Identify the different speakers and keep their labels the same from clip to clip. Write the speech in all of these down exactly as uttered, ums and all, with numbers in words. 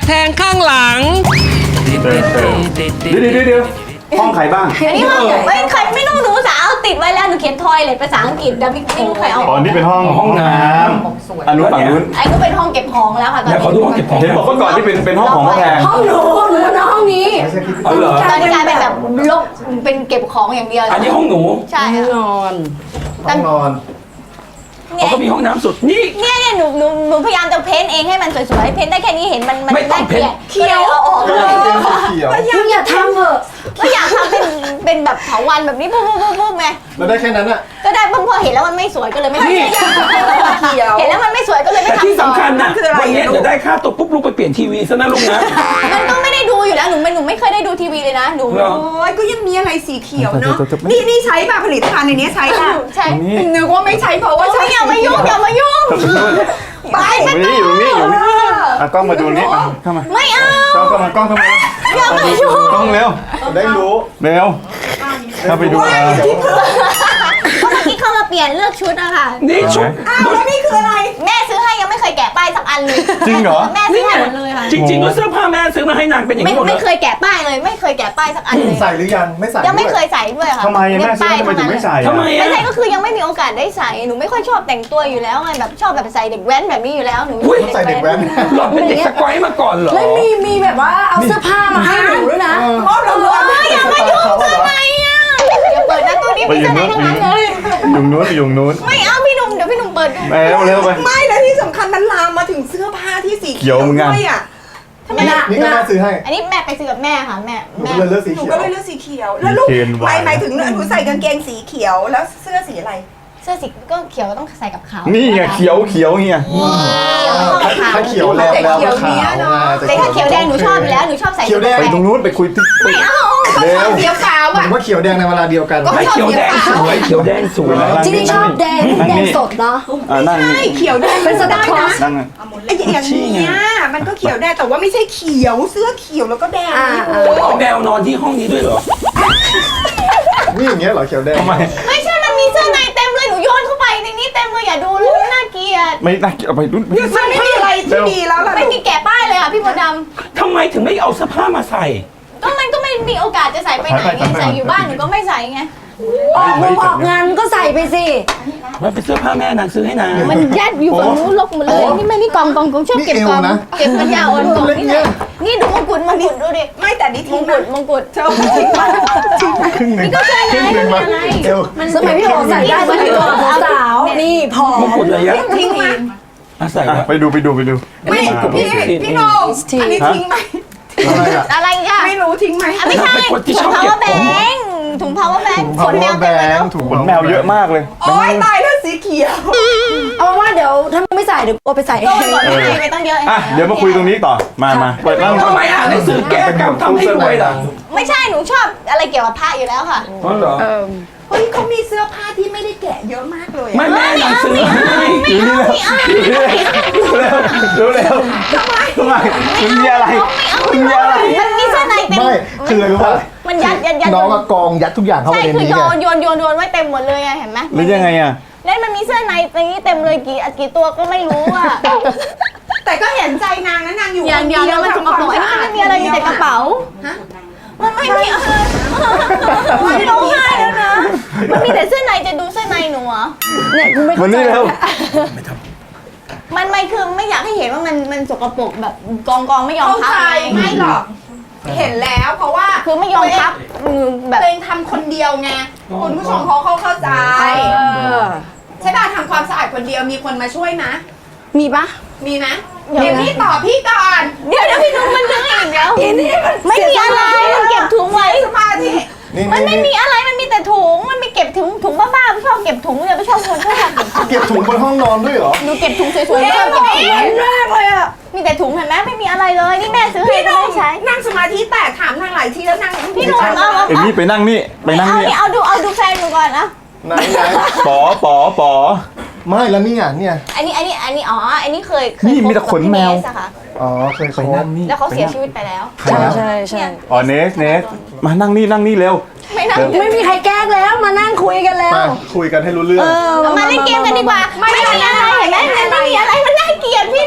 Speaker 1: แทงข้างหลัง
Speaker 2: เดี๋ยวเดี๋ยวเดี๋ยวห้องใครบ้าง
Speaker 3: อันนี้ห้องไม่ใครไม่ต้องหนูสาวติดไว้แล้วหนูเขียนทอยเลยภาษาอังกฤษแต่ไม่รู้ใครเอา
Speaker 2: อ๋อนี่เป็นห้องห้องน้ำอันนู้นฝั่งนู้น
Speaker 3: ไอ้ก็เป็นห้องเก็บของแล้วค่ะตอน
Speaker 4: แล้ว
Speaker 3: นี้
Speaker 4: เขาดูห้องเก็บของ
Speaker 2: เห็นบอกว่าก่อนที่เป็นเป็นห้องของพ่อแพง
Speaker 5: ห้องหนูหนูนอนห้องนี้
Speaker 4: อ๋อเหรอ
Speaker 3: ตอนนี้กลายเป็นแบบโลกเป็นเก็บของอย่างเดียว
Speaker 4: อันนี้ห้องหนู
Speaker 3: ใช่ค่ะ
Speaker 1: นอน
Speaker 6: ห้องนอน
Speaker 4: เขาก็มีห้องน้ำสุดนี่
Speaker 3: เนี่ยเนี่ยหนูหนูหนูพยายามจะเพ้นเองให้มันสวยๆเพ้นได้แค่นี้เห็นมันมัน
Speaker 4: ไม่ต้องเพ้น
Speaker 3: เขียวเอาออกเลย
Speaker 6: เขียว
Speaker 5: มึงอย่าทำเถอะ
Speaker 3: ก็อยากทำเป็นเป็นแบบเถาวันแบบนี้ปุ๊บปุ๊บปุ๊บปุ๊บไง
Speaker 6: แล้วได้แค่นั้นอ่ะ
Speaker 3: ก็ได้ปุ๊บพอเห็นแล้วมันไม่สวยก็เลยไม่ทำ
Speaker 4: นี่
Speaker 5: เขียว
Speaker 3: เห็นแล้วมันไม่สวยก็เลยไม่
Speaker 4: แต่
Speaker 3: ทำ
Speaker 4: ที่สำคัญนะ
Speaker 5: คืออะไร
Speaker 4: วันนี้จะได้ค่าตัวปุ๊บลูกไปเปลี่ยนทีวีซะนะลูกนะ
Speaker 3: มันก็ไม่ได้ดูอยู่แล้วหนูไม่หนูไม่เคยได้ดูทีวีเลยนะหนู
Speaker 4: เหรอ
Speaker 5: โอ้ยก็ยังมีอะไรสีเขียวเนาะนี่นี่ใช้ป่ะผลิตภัณฑ์ในนี้ใช้ป่ะ
Speaker 3: ใช่
Speaker 5: นึกว่าไม่ใช้เพราะว่า
Speaker 3: โอ้
Speaker 5: ใช้
Speaker 3: ยอย่ามายุ่งอย่ามายุ่ง
Speaker 5: ไป
Speaker 2: อยู่นี่อยู่นี่อยู่นี่อ่ะกล้องมาดูนี่มาเข้ามา
Speaker 3: ไม่เอา
Speaker 2: กล้องเข้ามากล้องเข้ามา
Speaker 3: อย่ามายุ่ง
Speaker 2: กล้องเร็ว
Speaker 6: ได้รู้
Speaker 2: เร็วเข้าไปดูอ่ะ
Speaker 3: ก็เมื่อกี้เข้ามาเปลี่ยนเลือกชุดอะค่ะ
Speaker 4: นี่ชุด
Speaker 5: อ้าวแล้วนี่คืออะไร
Speaker 3: แม่ซื้อให้ยังไม่เคยแกะป้ายสักอันเลย
Speaker 2: จริงเหรอ
Speaker 3: แม่ซื้อให้หมดเลยค่ะ
Speaker 4: จริงๆก็เสื้อผ้าแม่ซื้อมาให้นางเป็นอย่าง
Speaker 3: ไม่
Speaker 4: นี้หมดเล
Speaker 3: ไม่
Speaker 4: ย
Speaker 3: เคยแกะป้ายเลย ไม่เคยแกะป้ายสักอันเลย
Speaker 6: ใส่หรือยังไม่ใส่
Speaker 3: ยังไม่
Speaker 6: ด้ว
Speaker 3: เคยใส่ด้วยค่ะ
Speaker 2: ทำไมแม่ซื้อทำไมถึงไม่ใส่
Speaker 4: ทำไม
Speaker 2: อ่ะ
Speaker 4: อ่ะ
Speaker 3: ไม่ใช่ก็คือยังไม่มีโอกาสได้ใส่หนูไม่ค่อยชอบแต่งตัวอยู่แล้วไงแบบชอบแบบใส่เด็กแว้นแบบนี้อยู่แล้วหนู
Speaker 4: อุ้ย
Speaker 6: ใส่เด็กแว้น
Speaker 4: หลอดเป็นเด็กสกอยมาก่อนเหรอ
Speaker 5: แล้วมีมีแบบว่าเอาเสื้อผ้ามาให้หนูด้วยนะ
Speaker 6: เพราะเรา
Speaker 3: เฮ้ยอย่ามายุ่งทำไมอ่ะเดี๋ยวเปิดหน้าตู้นี้
Speaker 2: ไป
Speaker 3: มี
Speaker 2: อยู่
Speaker 3: เสื้อใน
Speaker 2: นู้น
Speaker 3: ทั้งนั้นเลย
Speaker 2: อยู่นู้นไปอยู่นู้น
Speaker 3: ไม่เอาพี่หนุ่มเดี๋ยวพี่หนุ่มเปิดดู
Speaker 2: ไปเร็วเร็วไป
Speaker 5: ไม่แล้วที่สำคัญมันลามมาถึงเสื้อผ้าที่สี
Speaker 2: เขียวเหมือนกัน
Speaker 5: ด้วยอ่ะทำไม
Speaker 6: นี่
Speaker 5: ล่ะ
Speaker 6: นี่ก็แม่ซื้อให้
Speaker 3: อันนี้แม่ไปซื้อกับแม่ค่ะแม่
Speaker 6: หนู
Speaker 3: แม่
Speaker 6: ก็เลยเลือกสี
Speaker 5: หนู
Speaker 6: เขีย
Speaker 5: ก็
Speaker 6: ว
Speaker 5: เลยเลือกสีเขียว แล้วลูก
Speaker 2: เคนวาย
Speaker 5: หมายถึงหนูใส่กางเกงสีเขียวแล้วเสื้อสีอะไร
Speaker 3: เสื้อสีก็เขียวก็ต้องใส่กับขาว
Speaker 2: นี่ไงเขียวเขียวเงี้ย
Speaker 3: เขียวไม่ต้องกับขาว
Speaker 6: ถ้าเขียวแล้วแล้วก็ขาวนะ
Speaker 3: แต่ถ้าเขียวแดงหนูชอบอยู่แล้วหนูชอบใส่
Speaker 6: เขียวแดง
Speaker 2: ไปตรงนู้นไปคุยที่
Speaker 3: ไม่เอา
Speaker 2: เร็ว
Speaker 5: เขียวขาว
Speaker 6: หมา
Speaker 5: อ่ะ
Speaker 6: ยว่าเขียวแดงในเวลาเดียวกัน
Speaker 4: ไม่เขียวแดงสวยเขียวแดงสวย
Speaker 5: จริงๆชอบแดงแดงสดเนาะ
Speaker 2: อ่านั่งนี่
Speaker 5: ใช่เขียวแดงเป็นสไตล์นะ
Speaker 2: นั่งอ่ะ
Speaker 5: ไอ้อย่างเนี้ยมันก็เขียวแดงแต่ว่าไม่ใช่เขียวเสื้อเขียวแล้วก็แดงนะ
Speaker 4: เอาแมวนอนที่ห้องนี้ด้วยเหรอ
Speaker 6: นี่อย่างเงี้ยเหรอเขียวแดง
Speaker 2: ทำไม
Speaker 3: ไม่ใช่มันมีเสื้อในเต็มเลยหนูโยนเข้าไปในนี้เต็มเลยอย่าดูเลยน่าเกลียด
Speaker 2: ไม่น่าเอาไปรุ่น
Speaker 5: มันไม่มีอะไรที่ดีแล้วล่ะ
Speaker 3: ไม่มีแกะป้ายเลยอ่ะพี่มดด
Speaker 4: ทำไมถึงไม่เอาเสื้อผ้ามาใส่
Speaker 3: ำก็มันก็ไม่มีโอกาสจะใส่ไปไหนไงใส่อยู่บ้านหนูก็ไม่ใส่ไง
Speaker 5: ออกงงออกงานก็ใส่ไปสิ
Speaker 4: มันเป็นเสื้อผ้าแม่นางซื้อให้นาง
Speaker 3: มันยัดอยู่ฝั่งนู้นลกหมดเลยนี่ไม่นี่กองกองกองชอบเก็บกองเก็บปัญญาอ่อนกองนี่ไหนนี่ดูมงกุฎมงกุฎดูดิ
Speaker 5: ไม่แต่นี่
Speaker 3: ม
Speaker 5: ทิ้
Speaker 3: ง
Speaker 5: ง
Speaker 3: กุ
Speaker 5: นะ
Speaker 3: ฎมงกุฎ
Speaker 5: เธอทิ้งไปทิ้งไป
Speaker 6: ครึ่งหนึ่ง
Speaker 3: นี่ก็ใช่ไง
Speaker 6: ครึ่งหนึ่ง
Speaker 3: ไม่
Speaker 6: มา
Speaker 3: มีอะไร
Speaker 6: เอว
Speaker 5: สมัยพี่โอใส่ได้สมัยก่อนสาวๆนี่พอ
Speaker 4: มงกุฎอะไรอะ
Speaker 5: ทิ้งมา
Speaker 4: อ่ะใส่
Speaker 2: อ่ะ
Speaker 4: แล้ว
Speaker 2: ไปดูไปดูไปดู
Speaker 5: ไม่
Speaker 2: อ่า
Speaker 5: พี่พี่โหนงอันนี้ทิ้งไหม
Speaker 6: อะไรอ่ะ
Speaker 3: อะไรอ่ะ
Speaker 5: ไม่รู้ทิ้งไหม
Speaker 3: อ่ะไม่ใช่
Speaker 4: เป็นคนที่ช
Speaker 3: ถุ
Speaker 4: อง บ
Speaker 3: พาว
Speaker 4: เก็
Speaker 3: เวอบ ร์แบ
Speaker 4: ของ
Speaker 3: งถุง power bank ขนแมว
Speaker 6: แบ
Speaker 3: เต็มเลย
Speaker 6: ง
Speaker 3: เนาะ
Speaker 6: ถูก
Speaker 2: ขนแมวเยอะมากเลย
Speaker 5: โอ๊ยตายแล้วสีเขียว เอาว่าเดี๋ยวถ้าไม่ใส่เดี๋ยวโอไปใส่
Speaker 3: โดนก่อนไม่ให้ไปต้องเยอะ
Speaker 2: อ่ะเดี๋ยวมาคุยตรงนี้ต่อมามาเปิดนั่ง
Speaker 4: ทำไมอ่านหนังสือแก้กรรมทำให้รวยล่ะ
Speaker 3: ไม่ใช่หนูชอบอะไรเกี่ยวกับพระอยู่แล้วค่ะ
Speaker 4: อ๋อเหรอ
Speaker 5: เฮ้ยเขามีเสื้อผ้าที่ไม่ได้แกะเยอะมากเลย
Speaker 4: ไม่แม่นางซื้อให้
Speaker 2: อยู่นี่แล้วอยู่นี่แล้วเร็วเร็วทำไมทำไมมันมีอะไรมันมีอะไร
Speaker 3: มันมีเสื้อในเต็ม
Speaker 6: ไม่คืออะไรรู้ป่ะ
Speaker 3: มันยัดยัดยัด
Speaker 6: น้องอะกองยัดทุกอย่างเข้าไป
Speaker 3: ใช่
Speaker 6: ใน
Speaker 3: คือ
Speaker 6: นี้
Speaker 3: โย
Speaker 6: ไง
Speaker 3: นโยนโยนโยนไว้เต็มหมดเลยไงเห็นไหม
Speaker 2: หรือยังไงอ่ะ
Speaker 3: แล้วมันมีเสื้อในตรงนี้เต็มเลยกี่กี่ตัวก็ไม่รู้อ่ะ
Speaker 5: แต่ก็เห็นใจนางนะนางอยู่
Speaker 3: อย่างเดียวแล้วมันสกปรกอันนี้มันไม่มีอะไรมีแต่กระเป๋ามันไม่มีอะไรมันร้องไห้แล้วนะมันมีแต่เสื้อในจะดูเสื้อในหนูเหรอ
Speaker 5: เนี่ยกูไม่
Speaker 2: วันนี้แล้ว
Speaker 3: มันไม่คือไม่อยากให้เห็นว่ามันมันสกปรกแบบกองกองไม่ยอม
Speaker 5: เข้า
Speaker 3: พับ
Speaker 5: ใจ
Speaker 3: ไง
Speaker 5: ไม่หรอก เห็นแล้วเพราะว่า
Speaker 3: คือไม่ยอมพับมือแบบ
Speaker 5: ตัวเองทำคนเดียวไงคุณผู้ชมเขาเขาเข้าใจใช่ป่ะทำความสะอาดคนเดียวมีคนมาช่วยนะ
Speaker 3: มีปะ
Speaker 5: มีนะเดี๋ยวพี่ตอบพี่ก่อน
Speaker 3: เดี๋ยวเดี๋ยวพี่นุ่มมันดึงอีกแล้ว
Speaker 5: ทีนี้มัน
Speaker 3: ไม่มีอะไรมันเก็บถุงไว้
Speaker 5: สมาธิ
Speaker 6: นี่
Speaker 3: มันไม่
Speaker 6: นี่
Speaker 3: มีอะไรมันมีแต่ถุงมันมีเก็บถุงถุงบ้าๆไม่ชอบเก็บถุงเลยไม่ชอบคนชอบเก็บถุง
Speaker 6: เก็บถุงบนห้องนอนด้วยเหรอ
Speaker 3: หนูเก็บถุงสวยๆไม่ชอบเก็บถุง
Speaker 5: เห็นมากเลยอ่ะ
Speaker 3: มีแต่ถุงเห็นไหมไม่มีอะไรเลยนี่แม่ซื้อให้
Speaker 5: พี่
Speaker 3: ก็
Speaker 5: น้อง
Speaker 3: ไม่ใช้
Speaker 5: นั่งสมาธิแตกถามนางหลายทีแล้วนาง
Speaker 3: พี่หนุ่มเอาเอา
Speaker 2: เอ็มนี่ไปนั่งนี่ไปนั่ง
Speaker 3: เอา
Speaker 2: นี่
Speaker 3: นี่เอาดูเอาดูแฟนหนูก่อนนะ
Speaker 6: ไหนไหน
Speaker 2: ปอปอปอ
Speaker 6: ไม่แล้วนี่อ่ะเนี่ย
Speaker 3: อันนี้อันนี้อันนี้อ๋ออันนี้เคยเคย
Speaker 2: นี่มีแต่ขนแมว
Speaker 3: คบกับพี่เนสอะค่ะ
Speaker 6: อ๋อเคย
Speaker 2: ไป
Speaker 6: คบ
Speaker 2: นั่งนี่
Speaker 3: แล้วเขาเสียชีวิตไปแล้ว
Speaker 6: ใช่ใช่
Speaker 5: ใช่
Speaker 2: อ๋อเนสเนสมานั่งนี่นั่งนี่เร็ว
Speaker 3: ไม่นั่ง
Speaker 5: ไม่มีใครแกล้งแล้วมานั่งคุยกันแล้ว
Speaker 6: มาคุยกันให้รู้เรื่อง
Speaker 3: เอามาเล่นเกมกันดีกว่าไม่มีอะไรเห็นไหมมันไม่มีอะไรมันน่าเกลียดพี่หนู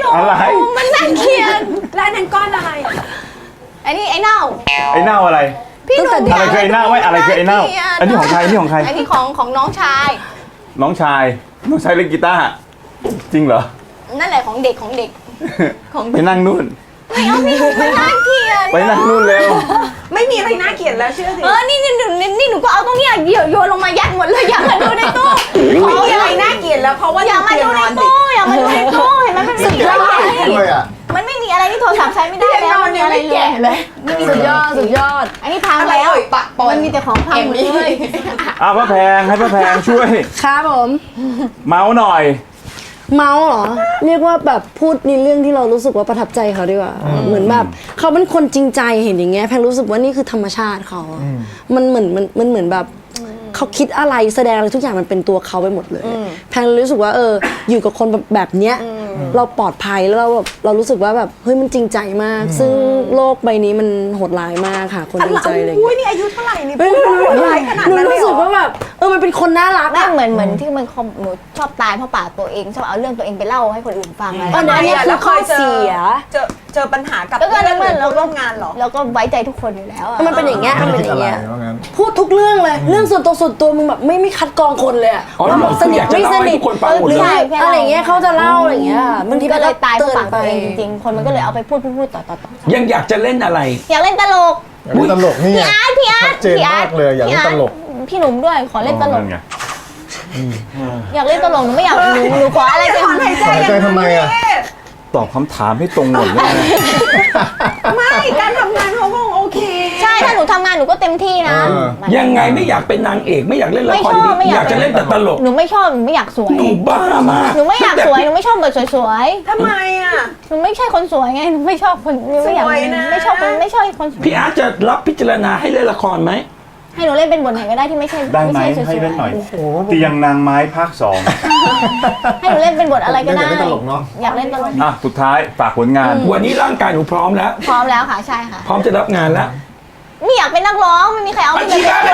Speaker 2: อะไร
Speaker 3: มันน่าเกลียด
Speaker 5: และอันนั้นก้อนอะไร
Speaker 3: อันนี้ไอ้เน่า
Speaker 2: ไอ้เน่าอะไร
Speaker 3: พี่หนุ่ม
Speaker 2: อะไรคือไอ้เน่าไว้อะไรคือไอ้เน่าอันนี้ของใครอันนี้ของใคร
Speaker 3: อันนี้ของของน้องชาย
Speaker 2: น้องชายน้องชายเล่นกีตาร์จริงเหรอ
Speaker 3: นั่นแหละของเด็กของเด็ก ของ
Speaker 2: ไปนั่งนู่น
Speaker 3: ไม่เอาพี่หนุ่มมันน่าเกลียด
Speaker 2: ไปนั่งนู่นเร็ว
Speaker 5: ไม่มีอะไรน่าเกลียดแล้วเชื่อสิ
Speaker 3: เออนี่นี่นี่นี่นี่หนูก็เอาตรงเนี้ยเดี๋ยวโยนลงมายัดหมดเลยอย่ามาดูในตู้
Speaker 5: ไม่มีอะไรน่าเกลียดแล้วเพราะว่า
Speaker 3: อย่ามาดูใน
Speaker 5: เตียงนอนเด็ก
Speaker 3: ตู้อย่ามาดูในตู้เห็นไหมมันไม่มีอะไร
Speaker 6: ด้วยอ่ะ
Speaker 3: มันไม่มีอะไรที่โทรศัพท์ใช้ไม่ได้
Speaker 5: เตียง
Speaker 3: แล้
Speaker 5: น
Speaker 3: ว
Speaker 5: อน
Speaker 3: มันมี
Speaker 5: เนี่ย
Speaker 3: อะไร
Speaker 5: ไม่
Speaker 3: เล
Speaker 5: แก่
Speaker 3: ย
Speaker 5: เลย
Speaker 3: สุดยอดสุดยอด อันนี้พัง
Speaker 5: อะไร
Speaker 3: แล้ว
Speaker 5: เอ่ยปะปน
Speaker 3: มันมีแต่ของพังหมดเลย
Speaker 2: อ้าวพระแพงให้พระแพงช่วย
Speaker 1: ครับผม
Speaker 2: เมาส์หน่อย
Speaker 1: เมาส์เหรอ เรียกว่าแบบพูดในเรื่องที่เรารู้สึกว่าประทับใจเขาดีกว่า เหมือนแบบเขาเป็นคนจริงใจเห็นอย่างเงี้ยแพงรู้สึกว่านี่คือธรรมชาติเขาอะมันเหมือนมันมันเหมือนแบบเขาคิดอะไรแสดงอะไรทุกอย่างมันเป็นตัวเขาไปหมดเลย แพงรู้สึกว่าเอออยู่กับคนแบบแบบเนี้ยเราปลอดภัยแล้วเราแบบเรารู้สึกว่าแบบเฮ้ยมันจริงใจมาก ซึ่งโลกใบนี้มันโหดร้ายมากค่ะ คนจริงใจอะไรอย่าง
Speaker 5: อุ้ย
Speaker 1: เงี้ย
Speaker 5: นี่อายุเท่าไหร่นี่
Speaker 1: เฮ้ย
Speaker 5: พูด
Speaker 1: หนู
Speaker 5: ว่าอะไรขนาด
Speaker 1: หนู
Speaker 5: นั้นเลย
Speaker 1: รู้
Speaker 5: เหร
Speaker 1: สึก
Speaker 5: อ
Speaker 1: ว่าแบบเออมันเป็นคนน่ารัก
Speaker 3: ไม่
Speaker 1: อะ
Speaker 3: เหมือนเหมือนที่มันคอมหนูชอบตายเพราะปากตัวเองชอบเอาเรื่องตัวเองไปเล่าให้คนอื่นฟังอะไร
Speaker 1: อันนั้นเนี่ยคือข้อเสีย
Speaker 5: เจอเจอปัญหากับ
Speaker 3: แล้วก็
Speaker 5: เพื่อน
Speaker 3: เหมือน
Speaker 5: หรือ
Speaker 3: เรา
Speaker 5: ร่วมงานเหรอ
Speaker 3: เราก็ไว้ใจทุกคนอยู่แล้วอะ
Speaker 1: มันเป็นอย่างเงี้ยมันเป็นอย่างเงี้ย
Speaker 6: ว่างั้น
Speaker 1: พูดทุกเรื่องเลย เรื่องส่วนตัวส่วนตัวมึงแบบไม่ไม่คัดกรองคนเลยอะ
Speaker 4: อ๋อ
Speaker 1: ว่าแบบสนิท
Speaker 4: อยากจะ
Speaker 1: ไม่
Speaker 4: เล่า
Speaker 1: ส
Speaker 4: ให้
Speaker 1: นิท
Speaker 4: ทุกคนฟังหมด
Speaker 1: หรือ
Speaker 4: เลย
Speaker 1: อะไรอย่างเงี้ยเขาจะเล่าอะไรอย่างเงี้ยบางที
Speaker 3: ก็เลยตายเพราะปาก
Speaker 1: ไป
Speaker 3: ตัวเองจริงๆ คนมันก็เลยเอาไปพูดพูดพูดต่อต่อต่อ
Speaker 4: ยังอยากจะเล่นอะไร
Speaker 3: อยากเล่นตลก
Speaker 6: อยากเล่นตลกนี่ไง
Speaker 3: พี่อาร์ตพี่อาร์ต
Speaker 6: ชัดเจน
Speaker 3: พี่อาร์
Speaker 6: มากเลยอยากเล่นตลก
Speaker 3: พี่หนุ่มด้วยขอเล่นตลก
Speaker 2: นั่นไง
Speaker 3: อยากเล่นตลกหนูไม่อยากหนูหนูขออะไรเป็น
Speaker 5: ถอนหายใจ
Speaker 6: หายใจทำไมอ่ะ
Speaker 2: ตอบคำถามให้ตรงหมดเลยนะ
Speaker 5: ไม่การทำงานเขาก็โอเค
Speaker 3: ใช่ถ้าหนูทำงานหนูก็เต็มที่นะ
Speaker 6: เออ
Speaker 4: ยังไงไม่อยากเป็นนางเอกไม่อยากเล่นละ
Speaker 3: ไม่
Speaker 4: คร
Speaker 3: ชอบ
Speaker 4: ดี
Speaker 3: ไม่
Speaker 4: ๆ
Speaker 3: อาย
Speaker 4: อยาก กจะเล่นแต่ตลก
Speaker 3: หนูไม่ชอบหนูไม่อยากสวย
Speaker 4: หนูบ้ามาก
Speaker 3: หนูไม่อยากสวยหนูไม่ชอบแบบสวย
Speaker 5: ทำไมอ่ะ
Speaker 3: ๆหนูไม่ใช่คนสวยไงหนูไม่ชอบคนหนูไม่อยาก
Speaker 5: สวยนะ
Speaker 3: ไม่ชอบคนไม่ชอบคนสวย
Speaker 4: พี่อาร์ตจะรับพิจารณาให้เล่นละครไหม
Speaker 3: ให้หนูเล่นเป็นบทไหนก็ได้ที่ไม่ใช่
Speaker 2: ได้ไหม
Speaker 3: ไม่ใช่สวยๆ
Speaker 2: ให้เล่นหน่อยเตียงนางไม้ภาคสอง
Speaker 3: ให้หนูเล่นเป็นบทอะไรก็ได้
Speaker 6: อยากเล่นตลกเนอะ
Speaker 3: อยากเล่นตลก
Speaker 2: อ่ะสุดท้ายฝากผลงาน
Speaker 4: วันนี้ร่างกายหนูพร้อมแล้ว
Speaker 3: พร้อมแล้วค่ะใช่ค่ะ
Speaker 4: พร้อมจะรับงานแล้ว
Speaker 3: ไม่อยากเป็นนักร้องไม่มีใครเอา
Speaker 4: อา
Speaker 3: ไม่
Speaker 4: ชีพอะไร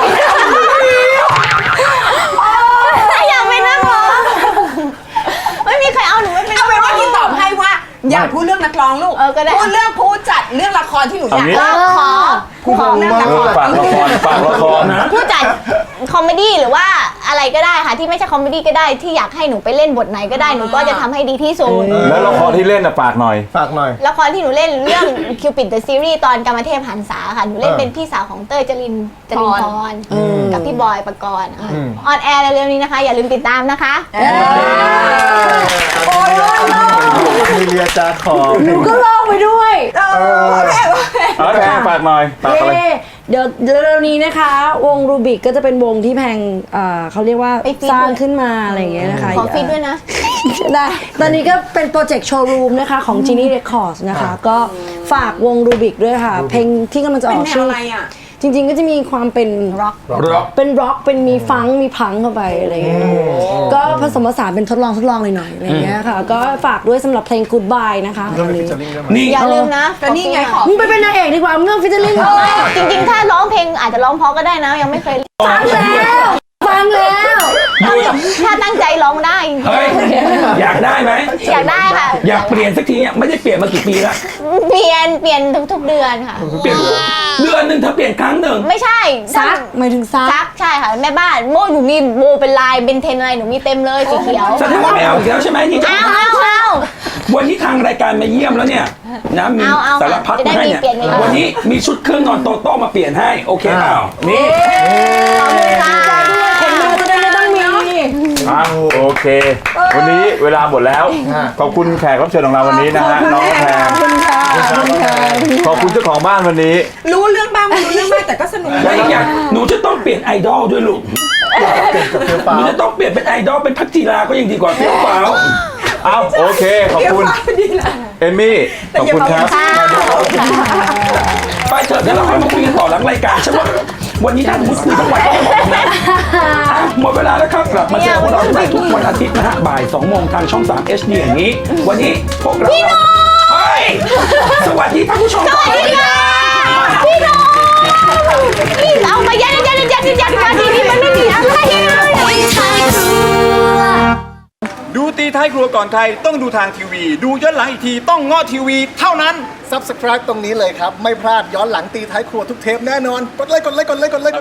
Speaker 3: อยากเป็นนักร้องไม่มีใครเอาหนูไม่เป็น
Speaker 5: เอาเป็นว่าที่ตอบให้ว่า อย่าพูดเรื่องนักร้องลูก
Speaker 3: เออก็ได้
Speaker 5: พูดเรื่องผู้จัดเรื่องละครที่หนูอยาก
Speaker 2: เอางี้
Speaker 3: เอ
Speaker 5: เล่น
Speaker 3: อขอ
Speaker 6: ผู้ฟังมาก
Speaker 2: เออฝากละครฝากละครนะ
Speaker 3: ผู้จัดคอมเมดี้หรือว่าอะไรก็ได้ค่ะที่ไม่ใช่คอมเมดี้ก็ได้ที่อยากให้หนูไปเล่นบทไหนก็ได้หนูก็จะทำให้ดีที่สุด
Speaker 2: แล้วละครที่เล่นน่ะฝากหน่อย
Speaker 6: ฝากหน่อย
Speaker 3: ละครที่หนูเล่นเรื่อง Cupid the Series ตอนกรรมเทพหันษาค่ะหนูเล่น
Speaker 6: เออ
Speaker 3: เป็นพี่สาวของเต้ยจรินจรินพรกับพี่บอยปกรณ์ค่ะ
Speaker 6: อืม
Speaker 3: ออนแอร์เร็วๆนี้นะคะ อย่าลืมติดตามนะคะ
Speaker 5: โอ้ย
Speaker 6: มีเรียจาขอบ
Speaker 1: หนูก็ลอกไปด้วย
Speaker 5: เออโอเคโอเค
Speaker 2: เอาแพงฝากหน่อยฝากอะไร
Speaker 1: เย้เดี๋ยวเร็วๆนี้นะคะ วงรูบิกก็จะเป็นวงที่แพงเอ่อเขาเรียกว่า
Speaker 3: ไปฟีด
Speaker 1: สร้าง
Speaker 3: ด้วย
Speaker 1: ขึ้นมาอะไรอย่างเงี้ยนะคะ
Speaker 3: ขอฟีดด้วยนะ
Speaker 1: ได้ตอนนี้ก็เป็นโปรเจกต์โชว์รูมนะคะของ Genie Records นะคะ ก็ฝากวงรูบิกด้วยค่ะ เพลงที่กำลังจะอ
Speaker 5: เป็น
Speaker 1: อก
Speaker 5: แนว
Speaker 1: ชื่อ
Speaker 5: อะไรอ่ะ
Speaker 1: จริงๆก็จะมีความเป็นร็อก
Speaker 4: ร็อก
Speaker 1: เป็นร็อกเป็นมีฟังก์มีพังเข้าไปอะไรอย่างเงี้ยก็ผสมผสานเป็นทดลองทดลองหน่อยๆอะไรอย่างเงี้ยค่ะ ก็ฝากด้วยสำหรับเพลง Goodbye นะคะ
Speaker 6: ก็มีฟิชเชอร์ลิงด้วยไหม
Speaker 4: นี่
Speaker 3: อย่าลืมนะ
Speaker 5: ก็นี่ไงขอ
Speaker 1: มึงไปเป็นนางเอกดีกว่ามึงเรื่องฟิชเชอร์ลิง
Speaker 3: จริงๆ ถ้าร้องเพลงอาจจะร้องเพราะก็ได้นะ ยังไม่เคย
Speaker 1: ฟังแล้วฟังแล้ว
Speaker 3: ถ้าตั้งใจร้องได้
Speaker 4: เฮ้ยอยากได้ไหม
Speaker 3: อยากได้ค่ะ
Speaker 4: อยากเปลี่ยนสักทีเนี่ยไม่ได้เปลี่ยนมากี่ปีแล้ว
Speaker 3: เปลี่ยนเปลี่ยนทุกๆเดือนค่ะ
Speaker 4: เปลี่ยนเดือนหนึ่งเธอเปลี่ยนครั้งหนึ่ง
Speaker 3: ไม่ใช่
Speaker 1: ซักหมายถึงซัก
Speaker 3: ซักใช่ค่ะแม่บ้านโบหนูมีโบเป็นลายเป็นเทนอะไรหนูมีเต็มเลยสีเขียว
Speaker 4: แสดงว่าไม่เอาอีกแล้วใช่ไหมที่จะ
Speaker 3: เอาเอาเอา
Speaker 4: วันนี้ทางรายการมาเยี่ยมแล้วเนี่ยนะมี
Speaker 3: เอาเอา
Speaker 4: สารพัด
Speaker 3: จะได้
Speaker 4: มาให้
Speaker 3: มี
Speaker 4: เนี่ย
Speaker 3: เปลี่ยนเวลา
Speaker 4: วันนี้มีชุดเครื่องนอนโตโต้มาเปลี่ยนให้โอเคเปล่านี่
Speaker 3: ขอบคุณค่ะ
Speaker 1: คนดูจะได้ไม่ต้องมี
Speaker 2: อ่ะโอเค วันนี้เวลาหมดแล้ว ขอบคุณแขกรับเชิญของเราวันนี้นะฮะน้องแพร
Speaker 1: ขอบคุณค่ะขอบคุณค่ะ
Speaker 2: ขอบคุณเจ้าของบ้านวันนี้
Speaker 5: รู้เรื่องบ้างไม่รู้เรื่องบ้างแต่ก็สนุก
Speaker 4: แล้วอีกอย่างหนูจะต้องเปลี่ยนไอดอลด้วยลูก
Speaker 6: กับเฟี้ยว
Speaker 4: ห
Speaker 6: ฟ้า
Speaker 4: นู
Speaker 6: ว
Speaker 4: จะต้องเปลี่ยนเป็นไอดอลเป็นพักจีราก็ยังดีกว่าเฟี้ยวฟ้าว
Speaker 2: เอาโอเค ขอบคุณ
Speaker 5: ดีแหละ
Speaker 2: เอมมี่ ขอบคุณครับ
Speaker 3: ค่ะขอบคุณค่ะ
Speaker 4: ไปเถอะเดี๋ยวเราค่อยมาคุยกันต่อหลังรายการฉันว่าวันนี้ถ้าสมมติคุยทั้งวันก็หมดนะอ่ะหมดเวลาแล้วครับกลับมาเจอพวกเราได้ทุกวันอาทิตย์นะฮะบ่ายสองโมงทางช่องสาม เอช ดี อย่างนี้ วันนี้พวกเราเฮ้ยสวัสดีท่านผู้ชม
Speaker 3: สวัสดีค่ะพี่น้องพี่เอามายัดยัดยัดยัดยัดยัดดีๆมันไม่มีอะไรเลย
Speaker 7: ดูตีท้ายครัวก่อนใครต้องดูทางทีวี ดูย้อนหลังอีกทีต้องเงาะทีวีเท่านั้น
Speaker 6: Subscribe ตรงนี้เลยครับ ไม่พลาดย้อนหลังตีท้ายครัวทุกเทปแน่นอน กดไลค์กดไลค์กดไลค์กดไลค์